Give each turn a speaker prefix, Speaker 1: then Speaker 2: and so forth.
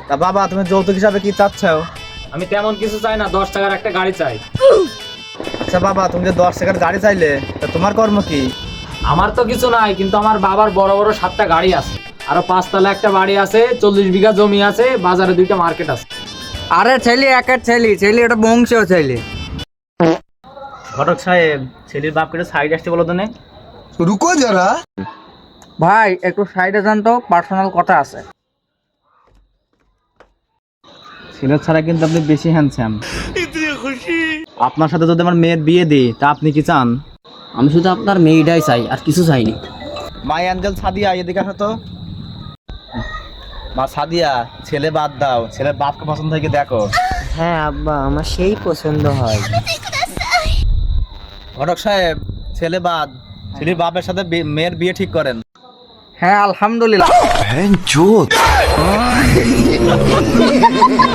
Speaker 1: তা বাবা তুমি যৌতুক হিসাবে কি চাচ্ছ?
Speaker 2: আমি তেমন কিছু চাই না, 10 টাকার একটা গাড়ি চাই।
Speaker 1: আচ্ছা বাবা, তুমি যে 10 টাকার গাড়ি চাইলে, তা তোমার কর্ম কি?
Speaker 2: আমার তো কিছু নাই, কিন্তু আমার বাবার বড় বড় 7টা গাড়ি আছে, আরো 5 তলা একটা বাড়ি আছে, 40 বিঘা জমি আছে, বাজারে 2টা মার্কেট আছে।
Speaker 3: আরে ছেলে একের ছেলে এটা বংশীয় ছেলে।
Speaker 1: ঘটক সাহেব, ছেলের বাপকে সাইড আসতে বলো তো নে।
Speaker 4: रुको जरा।
Speaker 3: ভাই একটু সাইডে যান তো, পার্সোনাল কথা আছে।
Speaker 1: ছেলের ছাড়া কিন্তু আপনি বেশি হ্যান্ডসাম। আপনার সাথে যদি আমার মেয়ের বিয়ে দিই, তা আপনি কি চান?
Speaker 5: আমি শুধু আপনার মেয়েটাই চাই, আর কিছু চাইনি।
Speaker 1: মা অ্যাঞ্জেল সাদিয়া, এদিকে আসো তো। মা সাদিয়া, ছেলে বাদ দাও, ছেলের বাপকে পছন্দ থেকে দেখো।
Speaker 5: হ্যাঁ আব্বা, আমার সেই পছন্দ হয়।
Speaker 1: ঘটক সাহেব, ছেলে বাদ, ছেলের বাপের সাথে মেয়ের বিয়ে ঠিক করেন।
Speaker 3: হ্যাঁ আলহামদুলিল্লাহ।